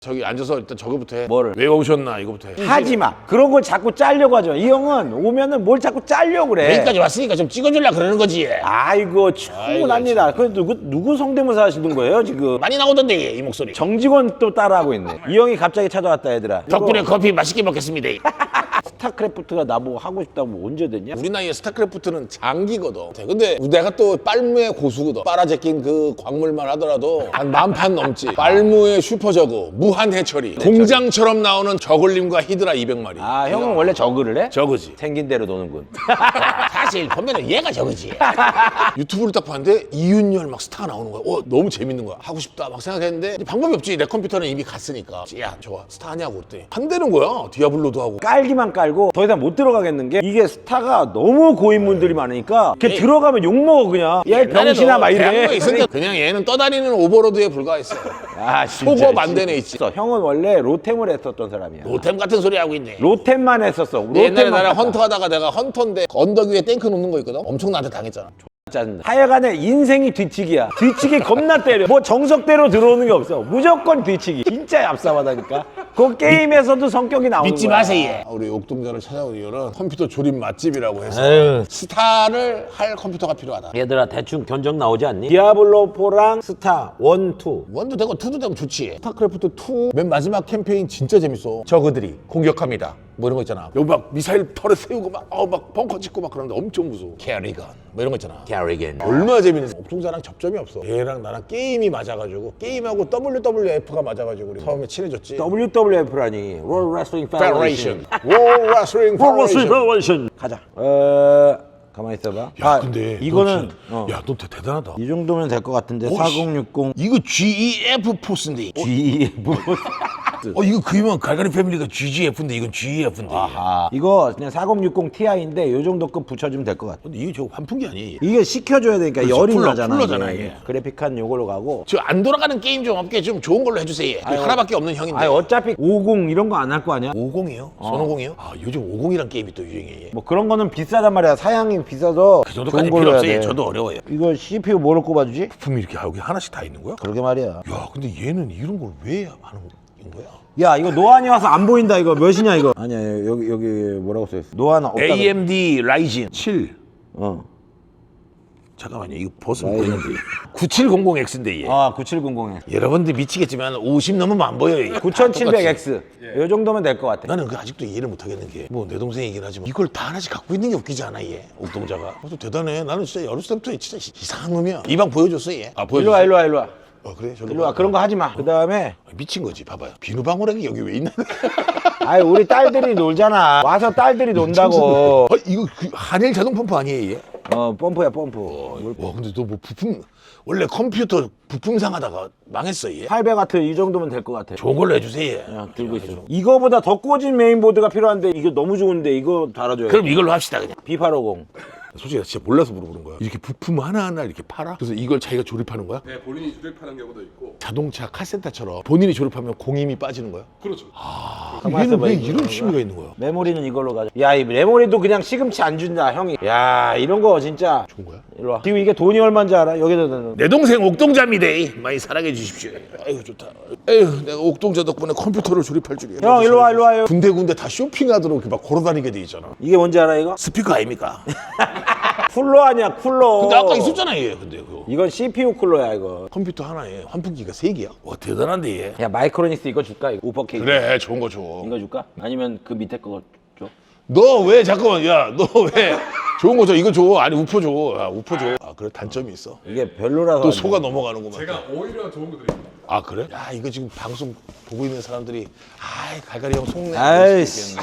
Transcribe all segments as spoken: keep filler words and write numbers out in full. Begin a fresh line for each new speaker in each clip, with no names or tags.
저기 앉아서 일단 저거부터 해.
뭐를?
왜 오셨나 이거부터 해.
하지 마. 그런 걸 자꾸 짜려고 하죠. 이 형은 오면은 뭘 자꾸 짜려고 그래.
여기까지 왔으니까 좀 찍어주려 그러는 거지.
아이고 충분합니다. 그 누구 누구 성대모사 하시는 거예요 지금?
많이 나오던데 이 목소리.
정직원 또 따라하고 있네. 이 형이 갑자기 찾아왔다 얘들아.
덕분에 커피 맛있게 먹겠습니다.
스타크래프트가 나보고 하고 싶다고 언제 됐냐?
우리 나이에 스타크래프트는 장기거든. 근데 내가 또 빨무의 고수거든. 빨아제낀 그 광물만 하더라도 한 만 판 넘지. 빨무의 슈퍼저그, 무한해처리, 공장처럼 나오는 저글림과 히드라 이백 마리.
아 형은 원래 저그를 해?
저그지.
생긴 대로 노는군.
사실 보면은 얘가 저그지. 유튜브를 딱 봤는데 이윤열 막 스타가 나오는 거야. 어 너무 재밌는 거야. 하고 싶다 막 생각했는데 이제 방법이 없지. 내 컴퓨터는 이미 갔으니까. 야 좋아 스타 하냐고 그랬더니 한다는 거야. 디아블로도 하고.
깔기만 깔고 더 이상 못 들어가겠는 게 이게 스타가 너무 고인물들이 많으니까 걔
에이.
들어가면 욕먹어 그냥. 얘 병신아 막 이래.
거 있으니까 그냥 얘는 떠다니는 오버로드에 불과했어.
아 진짜.
속어 만대네 있지.
형은 원래 로템을 했었던 사람이야.
로템 같은 소리 하고 있네.
로템만 했었어.
옛날에
로템만
나랑
봤다.
헌터 하다가 내가 헌터인데 언덕 위에 탱크 놓는 거 있거든? 엄청 나한테 당했잖아.
짜증나. 하여간에 인생이 뒤치기야. 뒤치기 겁나 때려. 뭐 정석대로 들어오는 게 없어. 무조건 뒤치기. 진짜 얍삽하다니까. 그 게임에서도 성격이 나오는
믿지
거야.
마세요. 얘. 우리 옥동자를 찾아온 이유는 컴퓨터 조립 맛집이라고 해서
에휴.
스타를 할 컴퓨터가 필요하다.
얘들아 대충 견적 나오지 않니? 디아블로 포랑 스타 원, 투.
원도 되고 투도 되면 좋지. 스타크래프트 투 맨 마지막 캠페인 진짜 재밌어. 저그들이 공격합니다. 뭐 이런 거 있잖아. 여기 막 미사일 털에 세우고 막, 어, 막 벙커 짓고 막 그러는데 엄청 무서워. 캐리건 뭐 이런 거 있잖아.
캐리건.
얼마나 재밌는지. 옥동자랑 접점이 없어. 얘랑 나랑 게임이 맞아가지고 게임하고 더블유더블유에프가 맞아가지고 우리 처음에 친해졌지.
더블유더블유에프라니 World Wrestling Federation.
World Wrestling Federation.
Federation. 가자. 어... 가만히 있어봐.
야 근데
이거는
너 진짜- 야 너 대단하다.
이 정도면 될 것 같은데.
오,
사공육공
이거 지이에프 포스인데. 어,
지이에프.
어 이거 그 유명한 갈갈이 패밀리가 지지에프인데 이건 지이에프인데.
아, 이거 그냥 사공육공 티아이인데 요 정도 급 붙여주면 될 것 같아.
근데 이게 저 환풍기 아니에요?
이게 식혀줘야 되니까
그렇죠.
열이
쿨러,
나잖아.
쿨러잖아,
이게.
이게.
그래픽한 요걸로 가고.
저 안 돌아가는 게임 좀 없게 좀 좋은 걸로 해주세요.
아유,
하나밖에 없는 형인데.
아니 어차피 오십 이런 거 안 할 거 아니야?
오십이요? 선오십이요? 아 요즘 오십이란 게임이 또 유행이에요.
뭐 그런 거는 비싸단 말이야. 사양이 비싸서
그 정도까지
좋은
필요
걸로 해야
없어요.
돼.
저도 어려워요.
이거 씨피유 뭐로 꼽아주지?
부품이 이렇게 여기 하나씩 다 있는 거야?
그러게 말이야.
야 근데 얘는 이런 걸 왜 하는 거야?
야 이거 노안이 와서 안 보인다. 이거 몇이냐 이거? 아니야 여기 여기 뭐라고 써있어? 노안 없다.
에이엠디 라이젠 칠.
어.
잠깐만요. 이거 벗으면
라이젠.
보이는데. 구칠공공 엑스인데 얘.
아 구칠공공에
여러분들 미치겠지만 오십 넘으면 안 보여요. 이게.
구천칠백 엑스. 요 정도면 될 것 같아.
나는 그 아직도 이해를 못 하겠는 게 뭐 내 동생이긴 하지만 이걸 다 하나씩 갖고 있는 게 웃기지 않아 얘 옥동자가. 그래서 대단해. 나는 진짜 어렸을 때부터 진짜 이상한 놈이야. 이 방 보여줬어 얘. 아 보여줬어.
일로 와 일로 와 일로 와.
어 그래 저리
일로 와. 그런 거 하지 마. 그 다음에
미친 거지. 봐봐요. 비누방울하게 여기 왜 있나?
아이 우리 딸들이 놀잖아. 와서 딸들이 논다고.
아, 이거 그 한일 자동 펌프 아니에요 얘?
어 펌프야 펌프.
와 근데 너 뭐 부품 원래 컴퓨터 부품상 하다가 망했어 얘.
팔백 와트 이 정도면 될 것 같아.
좋은 걸로 해주세요. 얘.
그냥 들고 있어. 이거보다 더 꽂은 메인보드가 필요한데 이거 너무 좋은데 이거 달아줘요.
그럼 이걸로 합시다 그냥.
비 팔오공.
솔직히 나 진짜 몰라서 물어보는 거야. 이렇게 부품 하나하나 이렇게 팔아? 그래서 이걸 자기가 조립하는 거야?
네, 본인이 조립하는 경우도 있고.
자동차 카센터처럼 본인이 조립하면 공임이 빠지는 거야?
그렇죠.
가만히
얘는
있어봐,
왜
이거.
이런 취미가 있는 거야?
메모리는 이걸로 가져. 야, 이 메모리도 그냥 시금치 안 준다, 형이. 야, 이런 거 진짜.
좋은 거야?
일로 와. 지금 이게 돈이 얼마인지 알아? 여기다 넣는.
내 동생 옥동자입니다. 많이 사랑해 주십시오. 아유 좋다. 에휴 내가 옥동자 덕분에 컴퓨터를 조립할 줄이야.
형, 일로 와, 일로 와요.
군데군데 다 쇼핑하도록 이렇게 막 걸어다니게 돼 있잖아.
이게 뭔지 알아, 이거?
스피커 아닙니까?
쿨러 아니야, 쿨러.
근데 아까 있었잖아 얘. 근데 그거
이건 씨피유 쿨러야, 이거.
컴퓨터 하나에 환풍기가 세 개야. 와 대단한데 얘.
야, 마이크로닉스 이거 줄까? 이거 우퍼 케이스.
그래 좋은 거 줘.
이거 줄까? 아니면 그 밑에 거 줘?
너 왜 잠깐만 야 너 왜 좋은 거 줘. 이거 줘. 아니 우퍼 줘. 야 우퍼 줘. 아 그래 단점이 있어.
이게 별로라서.
또
안
속아
돼.
넘어가는구만.
제가 오히려 좋은 거 드립니다.
아 그래? 야 이거 지금 방송 보고 있는 사람들이 아이 갈갈이 형 속내.
아이씨.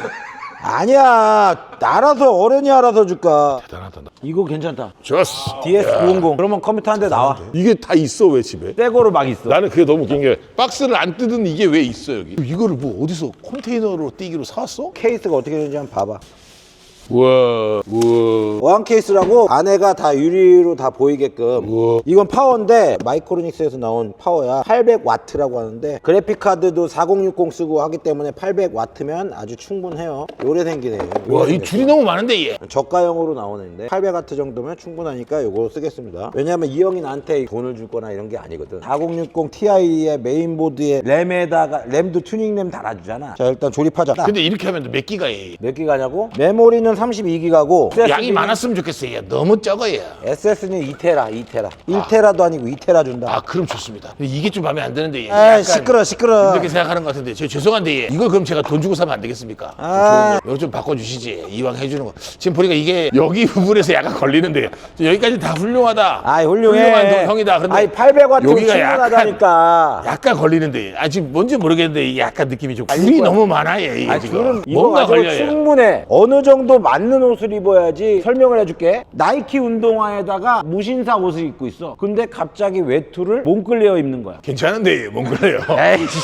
아니야. 알아서, 어른이 알아서 줄까?
대단하다. 나.
이거 괜찮다.
좋았어.
디에스 구백십. 그러면 컴퓨터 한 대 나와.
이게 다 있어 왜 집에?
새거로 막 있어.
나는 그게 너무 웃긴 게 박스를 안 뜯은 이게 왜 있어 여기? 이거를 뭐 어디서 컨테이너로 띄기로 사왔어?
케이스가 어떻게 되는지 한번 봐봐.
우와 우와
어항 케이스라고 안에가 다 유리로 다 보이게끔.
우와.
이건 파워인데 마이크로닉스에서 나온 파워야. 팔백 와트라고 하는데 그래픽 카드도 사공육공 쓰고 하기 때문에 팔백 와트면 아주 충분해요. 요래 생기네요.
와, 이 줄이 너무 많은데 얘.
저가형으로 나오는데 팔백 와트 정도면 충분하니까 요거 쓰겠습니다. 왜냐면 이 형이 나한테 돈을 줄 거나 이런 게 아니거든. 사공육공 티아이의 메인보드에 램에다가 램도 튜닝 램 달아주잖아. 자 일단 조립하자.
근데 이렇게 하면 몇 기가에
몇 기가냐고? 메모리는 삼십이 기가고
양이 많았으면 좋겠어. 얘 너무 적어 얘.
에스에스는 이 테라, 이 테라. 일 테라도 아니고 이 테라 준다.
아 그럼 좋습니다. 근데 이게 좀 마음에 안 드는데 얘.
아, 시끄러, 시끄러.
이렇게 생각하는 것 같은데 저 죄송한데 얘. 이걸 그럼 제가 돈 주고 사면 안 되겠습니까?
아.
이거 좀 바꿔주시지. 이왕 해주는 거. 지금 보니까 이게 여기 부분에서 약간 걸리는데 여기까지 다 훌륭하다.
아이, 훌륭해.
훌륭한 형이다. 근데
아이, 팔백 와트면
여기가
충분하다니까.
약간, 약간 걸리는데 아 지금 뭔지 모르겠는데 이게 약간 느낌이 좀
아니,
굴이
이거야.
너무 많아 얘. 이게
아,
지금
줄은
뭔가
입어가지고
걸려요.
충분해. 어느 정도 맞는 옷을 입어야지. 설명을 해줄게. 나이키 운동화에다가 무신사 옷을 입고 있어. 근데 갑자기 외투를 몽클레어 입는 거야.
괜찮은데 얘. 몽클레어.
에이씨.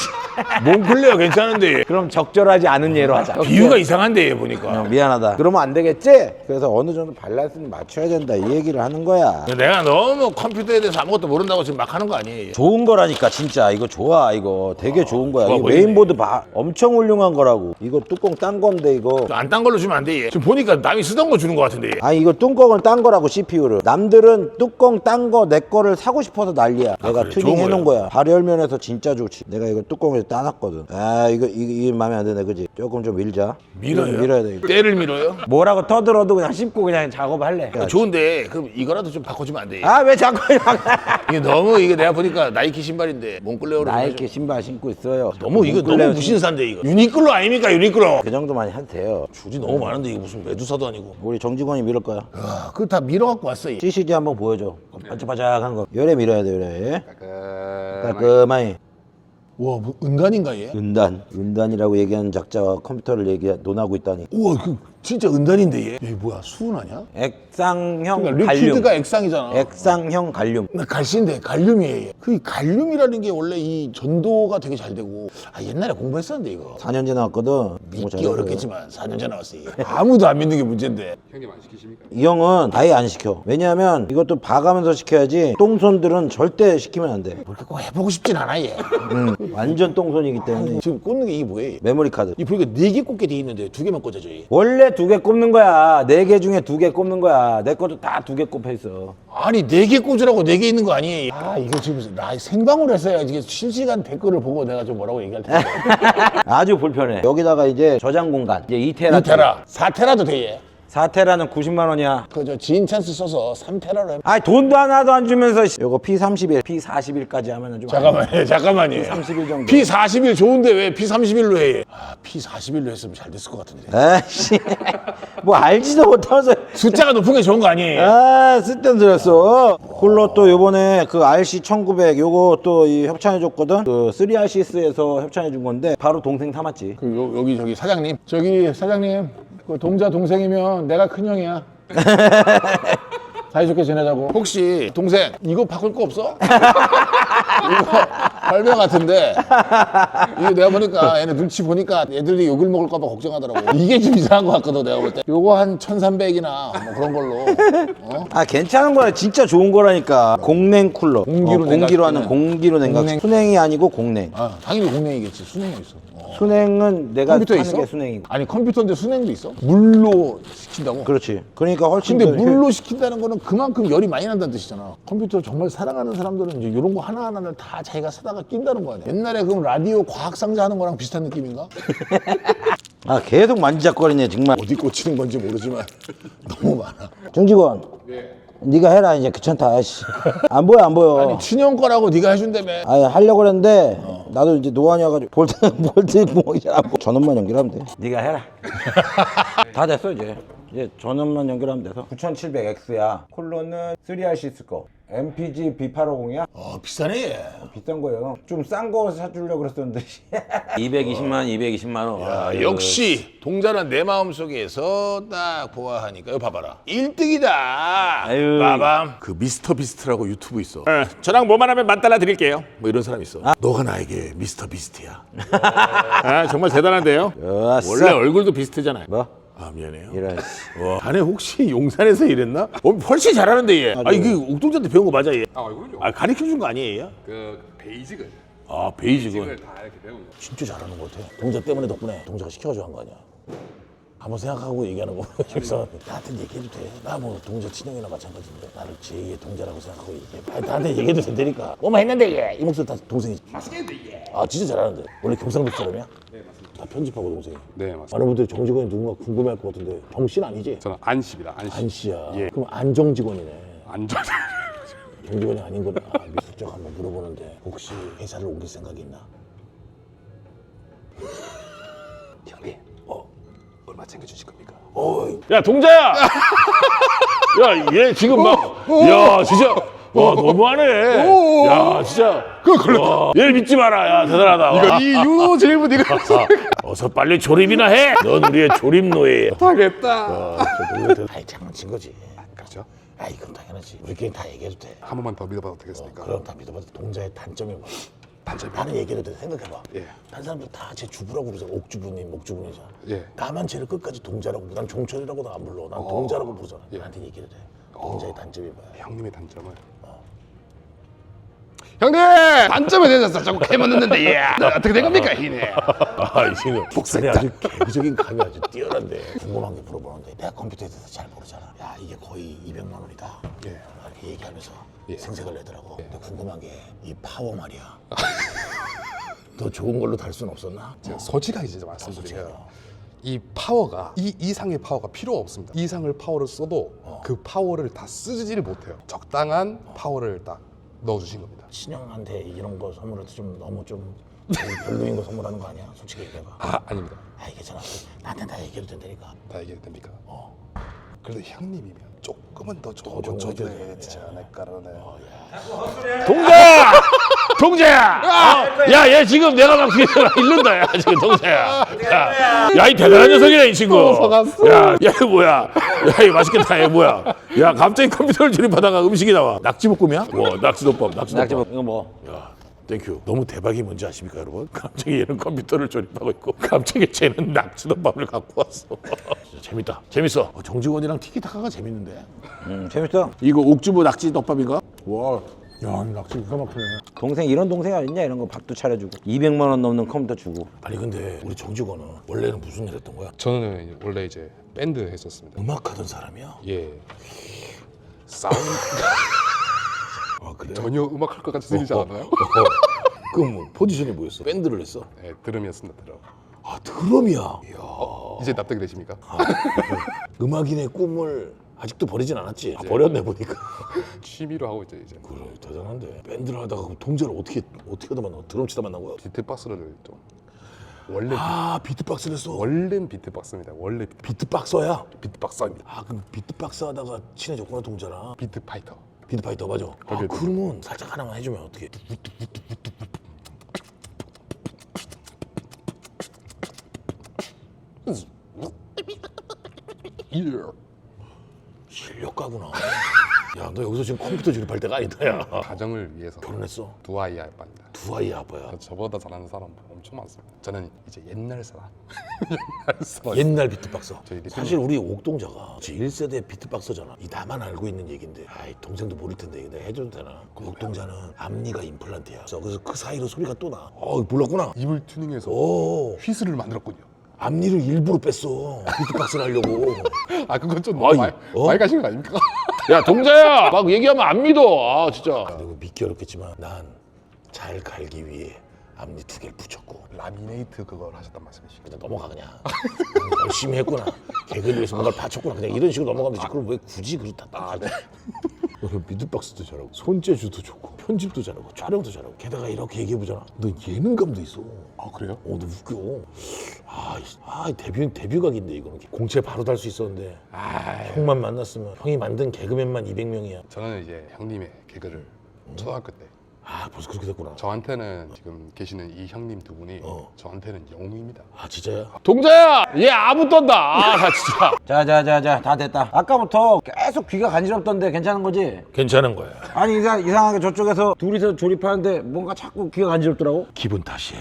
몽클레어 괜찮은데 얘.
그럼 적절하지 않은 예로 하자.
비유가 이상한데 얘 보니까.
어, 미안하다. 그러면 안 되겠지? 그래서 어느 정도 밸런스는 맞춰야 된다. 이 얘기를 하는 거야.
내가 너무 컴퓨터에 대해서 아무것도 모른다고 지금 막 하는 거 아니에요?
좋은 거라니까 진짜. 이거 좋아. 이거 되게 좋은 거야.
좋아
이거
보이네.
메인보드 봐. 엄청 훌륭한 거라고. 이거 뚜껑 딴 건데 이거.
안 딴 걸로 주면 안 돼. 얘. 지금 보니까 남이 쓰던 거 주는 거 같은데. 얘.
아니 이거 뚜껑을 딴 거라고 씨피유를. 남들은 뚜껑 딴 거 내 거를 사고 싶어서 난리야. 내가
그래?
튜닝
좋은
해놓은 거야. 발열면에서 진짜 좋지. 내가 이거 뚜껑에서 따놨거든. 아 이거 이게, 이게 마음에 안 드네 그지? 조금 좀 밀자.
밀어요?
이거 밀어야 돼 이거.
때를 밀어요?
뭐라고 터들어도 그냥 씹고 그냥 작업할래.
아, 좋은데 그럼 이거라도 좀 바꿔주면 안 돼? 얘.
아 왜 자꾸
이게 너무 이게 내가 보니까 나이키 신발인데 몽클레어로 좀
나이키
해줘.
신발 신고 있어요.
너무 이거
몽클레어
너무 무신사인데 이거. 유니클로 아닙니까 유니클로?
그 정도만 해도 돼요.
줄이 너무 많은데 이거 무슨 메두사도 아니고.
우리 정직원이 밀을 거야.
아, 그거 다 밀어갖고 왔어. 얘.
씨씨지 한번 보여줘. 반짝반짝한 거. 열에 밀어야 돼, 열에. 깔끔하게.
와, 뭐 은단인가 얘?
은단. 은단이라고 얘기하는 작자와 컴퓨터를 얘기 논하고 있다니.
우와, 그 진짜 은단인데 얘. 얘 뭐야 수은 아니야?
액상형
그러니까
갈륨.
리퀴드가 액상이잖아.
액상형 갈륨.
나 갈신데 갈륨이에요. 얘. 그 갈륨이라는 게 원래 이 전도가 되게 잘 되고. 아 옛날에 공부했었는데 이거.
사 년째 나왔거든. 공부
믿기
잘해서.
어렵겠지만 사 년째 나왔어. 얘. 아무도 안 믿는 게 문제인데.
형님 안 시키십니까?
이 형은 아예 안 시켜. 왜냐하면 이것도 봐가면서 시켜야지 똥손들은 절대 시키면 안 돼.
그렇게 꼭 해보고 싶진 않아 얘.
음, 완전 똥손이기 때문에.
지금 꽂는 게 이게 뭐예요? 얘?
메모리 카드.
이 보니까 네 개 꽂게 돼 있는데 두 개만 꽂아줘 얘.
원래 두 개 꼽는 거야. 네 개 중에 두 개 꼽는 거야. 내 것도 다 두 개 꼽혀 있어.
아니 네 개 꽂으라고 네 개 있는 거 아니에요? 아 이거 지금 나 생방으로 했어야 이게 실시간 댓글을 보고 내가 좀 뭐라고 얘기할 텐데.
아주 불편해. 여기다가 이제 저장 공간. 이제 이 테라.
이 테라, 사 테라도 돼 얘.
사 테라는 구십만 원이야.
그저 지인 찬스 써서 삼 테라로 해.
아이 돈도 하나도 안 주면서 씨. 요거 피 삼십일, 피 사십일까지 하면은 좀
잠깐만요, 잠깐만요.
피 삼십일 정도.
피 사십일 좋은데 왜 피 삼십일로 해? 얘? 아, 피 사십일로 했으면 잘 됐을 것 같은데.
에이씨. 뭐 알지도 못하면서.
숫자가 높은 게 좋은 거 아니에요?
아, 쓸데는 들었어. 홀로 또 요번에 그 알씨 천구백 요거 또 이 협찬해줬거든. 그 쓰리 알씨스에서 협찬해준 건데 바로 동생 삼았지.
그 요, 여기 저기 사장님, 저기 사장님, 그 동자 동생이면 내가 큰 형이야. 사이좋게 지내자고. 혹시 동생 이거 바꿀 거 없어? 이거 할배 같은데 이거 내가 보니까 얘네 눈치 보니까 애들이 욕을 먹을까 봐 걱정하더라고. 이게 좀 이상한 거 같거든 내가 볼 때. 요거 한 천삼백이나 뭐 그런 걸로. 어?
아 괜찮은 거야. 진짜 좋은 거라니까. 공냉 쿨러.
공기로
어, 공기로 하는
냉각.
공기로 냉각.
공냉.
순행이 아니고 공냉.
아 당연히 공랭이겠지. 순행이 있어. 어.
순행은 내가
컴퓨터에
하는
있어?
게 순행이고.
아니 컴퓨터인데 순행도 있어? 물로 시킨다고?
그렇지. 그러니까 훨씬
근데
더 효-
물로 시킨다는 거는 그만큼 열이 많이 난다는 뜻이잖아. 컴퓨터 정말 사랑하는 사람들은 이제 이런 거 하나하나를 다 자기가 사다가 낀다는 거 아니야. 옛날에 그럼 라디오 과학 상자 하는 거랑 비슷한 느낌인가?
아 계속 만지작거리네 정말.
어디 꽂히는 건지 모르지만 너무 많아.
정직원.
네.
네가 해라 이제 귀찮다. 아이씨. 안 보여 안 보여.
아니 친형 거라고 네가 해준다며.
아니 하려고 그랬는데 나도 이제 노안이어가지고 볼트 볼트 구멍이 잘 안 보여. 전원만 연결하면 돼. 네가 해라. 다 됐어 이제. 이제 전원만 연결하면 돼서. 구천칠백 엑스야. 콜로는 쓰리 알씨스 거. 엠피지 비 팔백오십이야?
어 비싸네 얘.
비싼 거예요. 좀 싼 거 사주려고 그랬었는데. 이백이십만 원, 이백이십만 원.
아,
아유.
역시 동자는 내 마음속에서 딱 보아하니까 이거 봐봐라 일 등이다.
아유.
빠밤. 그 미스터 비스트라고 유튜브 있어. 어, 저랑 뭐만 하면 만 달러 드릴게요. 뭐 이런 사람 있어. 너가 나에게 미스터 비스트야. 아, 정말 대단한데요.
좋았어.
원래 얼굴도 비스트잖아요.
뭐?
아 미안해요.
이런.
와, 자네 혹시 용산에서 일했나? 어, 훨씬 잘하는데 얘. 아 이게 옥동자한테 배운 거 맞아 얘?
아 얼굴요?
아 가르쳐 준 거 아니에요 얘?
그 베이직을
아 베이직은
베이직을 다 이렇게 배운 거.
진짜 잘하는 것 같아. 동자 때문에 덕분에 동자가 시켜가지고 한 거 아니야. 한번 생각하고 얘기하는 거 보면서 나한테 얘기해도 돼. 나 뭐 동자 친형이나 마찬가지인데 나를 제이의 동자라고 생각하고 얘기해. 아니, 나한테 얘기해도 된다니까. 뭐만 했는데 얘. 이 목소리 다 동생이.
맛있겠는데 이게.
아 진짜 잘하는데. 원래 경상도 사람이야?
네 맞습니다.
다 편집하고 동생이.
네 맞습니다.
많은 분들이 정직원이 누군가 궁금해할 것 같은데 정신 아니지?
저는 안씨입니다. 안씨.
안 씨야.
예.
그럼 안정직원이네.
안전.
정직원이 아닌 거는 아, 미술적 한번 물어보는데 혹시 회사를 옮길 생각이 있나?
형님
어.
얼마 챙겨주실 겁니까?
어이. 야 동자야. 야 얘 지금 막. 야 진짜. 와 너무하네. 야 진짜.
그거 걸렸다.
얘를 믿지 마라. 야 대단하다. 와.
이 윤호 질문 이거
어서 빨리 조립이나 해. 넌 우리의 조립 노예야.
하겠다.
아, 저 놀래서 아이 장난친 거지.
그렇죠.
아이 그럼 당연하지. 우리끼리 다 얘기해도 돼.
한 번만 더 믿어봐도 되겠습니까?
그럼 다 믿어봐도 동자의 단점이 뭐야?
단점이
나는 얘기해도 돼. 생각해봐.
예.
다른 사람들 다 제 주부라고 그러잖아. 옥주부님, 목주부님이잖아.
예.
나만 쟤를 끝까지 동자라고 부르. 난 종철이라고도 안 불러. 난 동자라고 부르잖아. 나한테 얘기해도 돼. 동자의 단점이 뭐야?
형님의 단점은 형님 단점에 대해서 자꾸 캐만 넣는데 예. 어떻게 된 겁니까 희네?
아, 이 친구 복선이 아주 개구적인 감이 아주 뛰어난데 궁금한 게 물어보는데 내가 컴퓨터에 대해서 잘 모르잖아. 야 이게 거의 이백만 원이다.
예.
이렇게 얘기하면서
예.
생색을 내더라고. 근데 궁금한 게 이 파워 말이야. 더 좋은 걸로 달 수는 없었나?
제가 솔직하게 진짜 말씀드리면
솔직하게.
이 파워가 이 이상의 파워가 필요가 없습니다. 이상을 파워를 써도 그 파워를 다 쓰지를 못해요. 적당한 파워를 딱 넣어주신 겁니다.
친형한테 이런 거 선물해도 좀 너무 좀 별로인 거 선물하는 거 아니야? 솔직히 얘기해봐.
아 아닙니다.
아 괜찮아. 나한테 다 얘기해도 된다니까.
다 얘기해도 됩니까?
어.
그래도 형님이면 조금은 더 좋은
좋은
거
거
줘야
해줘야
되지 않을까라는.
동자야! 동자야! 어, 야, 얘 지금 내가 막 뒤에서 막 잃는다, 야, 지금 동자야. 야, 야, 이 대단한 녀석이네, 이 친구. 야, 야, 이거 뭐야? 야, 이거 맛있겠다, 얘 뭐야? 야, 갑자기 컴퓨터를 조립하다가 음식이 나와. 낙지볶음이야? 와, 낙지덮밥, 낙지덮밥.
낙지볶음 이거 뭐?
야, 땡큐. 너무 대박이 뭔지 아십니까, 여러분? 갑자기 얘는 컴퓨터를 조립하고 있고, 갑자기 쟤는 낙지덮밥을 갖고 왔어. 진짜 재밌다. 재밌어. 어, 정직원이랑 티키타카가 재밌는데.
음 재밌어.
이거 옥주부 낙지덮밥인가? 와, 야, 이 낙지 기가 막히네.
동생 이런 동생 어딨냐 이런 거 밥도 차려주고 이백만 원 넘는 컴퓨터 주고.
아니 근데 우리 정직원은 원래는 무슨 일 했던 거야?
저는 원래 이제 밴드 했었습니다.
음악하던 사람이야?
예. 사운드
아 그래?
전혀 음악할 것 같이 들리지 않아요?
그럼 뭐 포지션이 뭐였어? 밴드를 했어?
네, 드럼이었습니다. 드럼.
아 드럼이야. 이야.
이제 납득이 되십니까?
음악인의 꿈을 아직도 버리진 않았지? 아, 버렸네 보니까.
취미로 하고 있죠 이제.
그래 대단한데. 밴드를 하다가 그럼 동자를 어떻게 어떻게 하다 만나? 드럼 치다 만난 거야?
비트박스를 좀 원래
아 비트박스를 했어.
원래는 비트박스입니다. 원래 비트-
비트박서야?
비트박스입니다.
아 그럼 비트박스 하다가 친해졌구나 동자랑.
비트파이터.
비트파이터 맞아. 아,
거기에
그러면 살짝 하나만 해주면 어떻게?
예.
실력가구나. 야, 너 여기서 지금 컴퓨터 조립할 때가 아니다, 야.
가정을 위해서
결혼했어?
두 아이 아빠입니다.
두 아이 아빠야.
저보다 잘하는 사람 엄청 많습니다. 저는 이제 옛날 사람. 옛날 사람.
옛날 비트박서.
저희 리듬-
사실 우리 옥동자가 일 세대 비트박서잖아. 이 나만 알고 있는 얘긴데, 아이 동생도 모를 텐데 이거 내가 해줘도 되나? 그 옥동자는 앞니가 임플란트야. 그래서 그 사이로 소리가 또 나. 어, 몰랐구나.
입을 튜닝해서
오,
휘슬을 만들었군요.
앞니를 일부러 뺐어. 비트박스를 하려고.
아 그건 좀
아이,
너무 많이,
어?
많이 가신 거 아닙니까?
야, 동자야! 막 얘기하면 안 믿어. 아, 진짜. 그리고 믿기 어렵겠지만, 난 잘 갈기 위해 앞니 두 개를 붙였고.
라미네이트 그걸 하셨단 말씀이시죠?
그냥 넘어가 그냥. 열심히 했구나. 개그를 위해서 뭔가를 바쳤구나. 그냥 이런 식으로 넘어가면 되지. 그걸 왜 굳이 그렇다 딱. 네. 비트박스도 잘하고 손재주도 좋고 편집도 잘하고 촬영도 잘하고 게다가 이렇게 얘기해보잖아. 너 예능감도 있어.
아 그래요?
어, 너 웃겨. 아, 이- 아 데뷔 데뷔각인데 이거는 공채 바로 달 수 있었는데. 아, 형만 만났으면 형이 만든 개그맨만 이백 명이야.
저는 이제 형님의 개그를 초등학교 때
아, 벌써 그렇게 됐구나.
저한테는 지금 계시는 이 형님 두 분이
어.
저한테는 영웅입니다.
아, 진짜야? 동자야, 얘 아무 떤다. 아, 나 진짜.
자자자자 다 됐다. 아까부터 계속 귀가 간지럽던데 괜찮은 거지?
괜찮은 거야.
아니 이상, 이상하게 저쪽에서 둘이서 조립하는데 뭔가 자꾸 귀가 간지럽더라고.
기분 탓이에요.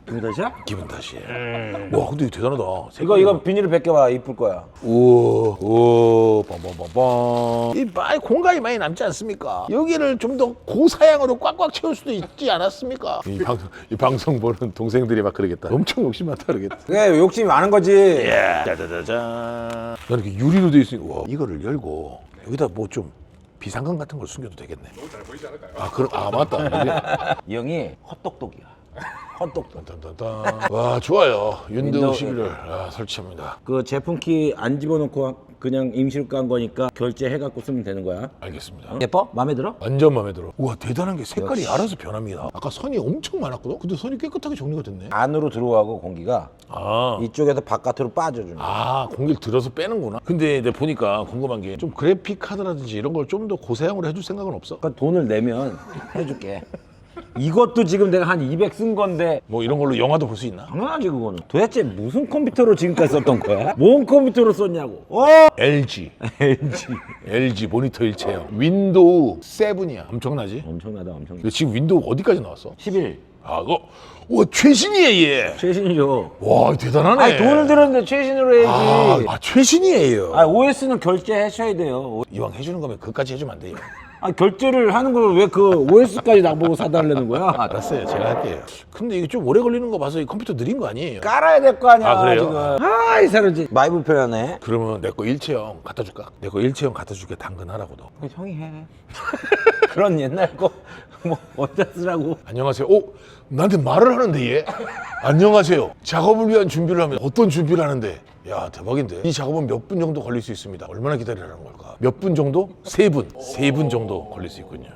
기분 탓이야?
기분 탓이야. 와 근데 이거 대단하다.
이거 이거 비닐을 벗겨봐. 이쁠 거야.
우와, 우와, 빰빰빰빰. 이 많이 공간이 많이 남지 않습니까? 여기를 좀 더 고사양으로 꽉꽉 채울 수도 있지 않았습니까? 이 방송, 이 방송 보는 동생들이 막 그러겠다. 엄청 욕심 많다 그러겠다.
그래 욕심이 많은 거지.
예. 짜자자잔. 나는 이렇게 유리로 돼 있으니, 와, 이거를 열고 여기다 뭐 좀 비상금 같은 걸 숨겨도 되겠네.
너무 잘 보이지 않을까요?
아, 그럼 아 맞다.
이 형이 헛똑똑이야. 헛똑똑.
딴딴딴. 와 좋아요. 윈도우
윈도우
십일을 아, 설치합니다.
그 제품 키 안 집어넣고 그냥 임시로 깐 거니까 결제해갖고 쓰면 되는 거야.
알겠습니다.
예뻐? 마음에 들어?
완전 마음에 들어. 우와 대단한 게 색깔이
역시.
알아서 변합니다. 아까 선이 엄청 많았거든. 근데 선이 깨끗하게 정리가 됐네.
안으로 들어가고 공기가
아.
이쪽에서 바깥으로 빠져주는 거야.
아 공기를 들어서 빼는구나. 근데 내가 보니까 궁금한 게 좀 그래픽 카드라든지 이런 걸 좀 더 고사양으로 해줄 생각은 없어?
그러니까 돈을 내면 해줄게. 이것도 지금 내가 한 이백 쓴 건데
뭐 이런 걸로 영화도 볼 수 있나?
당연하지 그거는. 도대체 무슨 컴퓨터로 지금까지 썼던 거야? 뭔 컴퓨터로 썼냐고. 어?
엘지.
엘지.
엘지 모니터 일체형. 윈도우 칠이야. 엄청나지?
엄청나다 엄청나.
근데 지금 윈도우 어디까지 나왔어?
십일.
아 그거 와 최신이야 얘.
최신이죠.
와 대단하네.
아니 돈을 들었는데 최신으로 해야지.
아, 아 최신이에요.
아, 오에스는 결제하셔야 돼요.
이왕 해주는 거면 그까지 해주면 안 돼요.
아, 결제를 하는 걸 왜 그 오에스까지 나보고 사달라는 거야?
알았어요. 제가 할게요. 근데 이게 좀 오래 걸리는 거 봐서 이 컴퓨터 느린 거 아니에요?
깔아야 될 거 아니야.
아, 그래요?
지금. 아, 이 사람 지 많이 불편하네.
그러면 내 거 일체형 갖다 줄까? 내 거 일체형 갖다 줄게. 당근하라고 너.
그 형이 해. 그런 옛날 거 뭐 어디다 쓰라고.
안녕하세요. 오, 나한테 말을 하는데 얘? 안녕하세요. 작업을 위한 준비를 하면 어떤 준비를 하는데? 야 대박인데. 이 작업은 몇 분 정도 걸릴 수 있습니다. 얼마나 기다리라는 걸까? 몇 분 정도? 세 분. 세 분 정도 걸릴 수 있군요.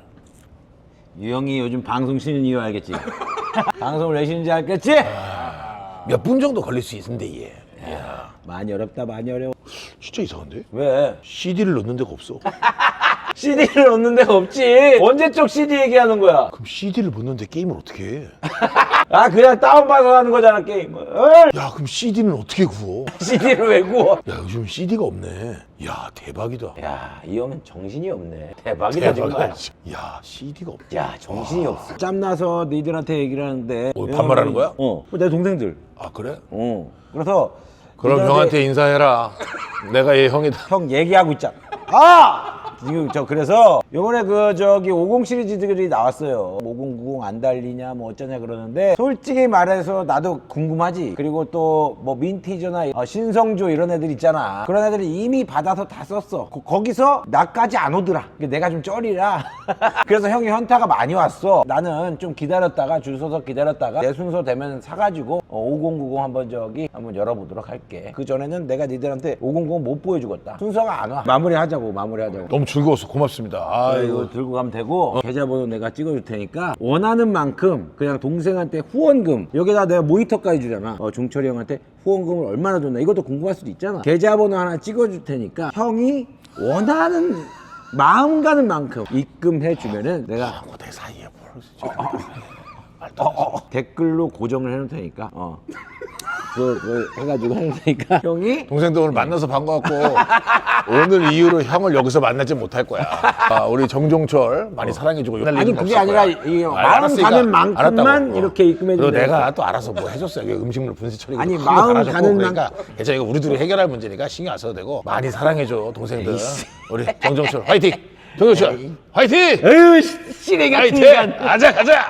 이 형이 요즘 방송 쉬는 이유 알겠지? 방송을 왜 쉬는지 알겠지?
몇 분 정도 걸릴 수 있는데 얘. 야
많이 어렵다 많이 어려워.
진짜 이상한데?
왜?
씨디를 넣는 데가 없어.
씨디를 넣는 데가 없지. 언제적 씨디 얘기하는 거야?
그럼 씨디를 못 넣는데 게임을 어떻게 해?
아 그냥 다운받아서 하는 거잖아 게임을.
야 그럼 씨디는 어떻게 구워?
씨디를 왜 구워?
야 요즘 씨디가 없네. 야 대박이다.
야, 이 형은 정신이 없네. 대박이다 정말.
대박이다. 야 씨디가 없.
야, 정신이 없어. 짬나서 니들한테 얘기를 하는데.
어, 반말하는 거야?
어, 내 동생들.
아 그래?
어. 그래서
그럼
니들한테
형한테 인사해라. 내가 얘 형이다.
형 얘기하고 있잖아. 아! 지금 저 그래서 요번에 그 저기 오십 시리즈들이 나왔어요. 오십, 구십 안 달리냐 뭐 어쩌냐 그러는데 솔직히 말해서 나도 궁금하지. 그리고 또 뭐 민티저나 어, 신성조 이런 애들 있잖아. 그런 애들이 이미 받아서 다 썼어. 거, 거기서 나까지 안 오더라. 내가 좀 쩔이라. 그래서 형이 현타가 많이 왔어. 나는 좀 기다렸다가 줄 서서 기다렸다가 내 순서 되면 사가지고 어, 오십, 구십 한번 저기 한번 열어보도록 할게. 그 전에는 내가 니들한테 오십, 구십 못 보여주겠다. 순서가 안 와. 마무리하자고 마무리하자고.
너무 즐거웠어. 고맙습니다. 아이고.
이거 들고 가면 되고 어. 계좌번호 내가 찍어줄 테니까 원하는 만큼 그냥 동생한테 후원금 여기다 내가 모니터까지 주잖아. 어, 종철이 형한테 후원금을 얼마나 줬나 이것도 궁금할 수도 있잖아. 계좌번호 하나 찍어줄 테니까 형이 원하는 마음 가는 만큼 입금해 주면은 내가
내 사이에 뭘
어, 어, 댓글로 고정을 해놓을 테니까 어. 그, 그 해가지고 해놓을 테니까 형이
동생도 오늘 만나서 반가웠고 오늘 이후로 형을 여기서 만나지 못할 거야. 아, 우리 정종철 많이 사랑해주고
아니 그게 아니라 이 마음 가는 만큼만 이렇게 입금해
그리고
주면
내가 또 알아서 뭐 해줬어요. 이게 음식물 분쇄 처리
아니, 마음 가는
그러니까 괜찮아. 이거 우리 둘이 해결할 문제니까 신경 안 써도 되고 많이 사랑해줘 동생들. 우리 정종철 화이팅. 정종철 화이팅.
에휴 씨레 같은
화이팅.
인간.
가자 가자.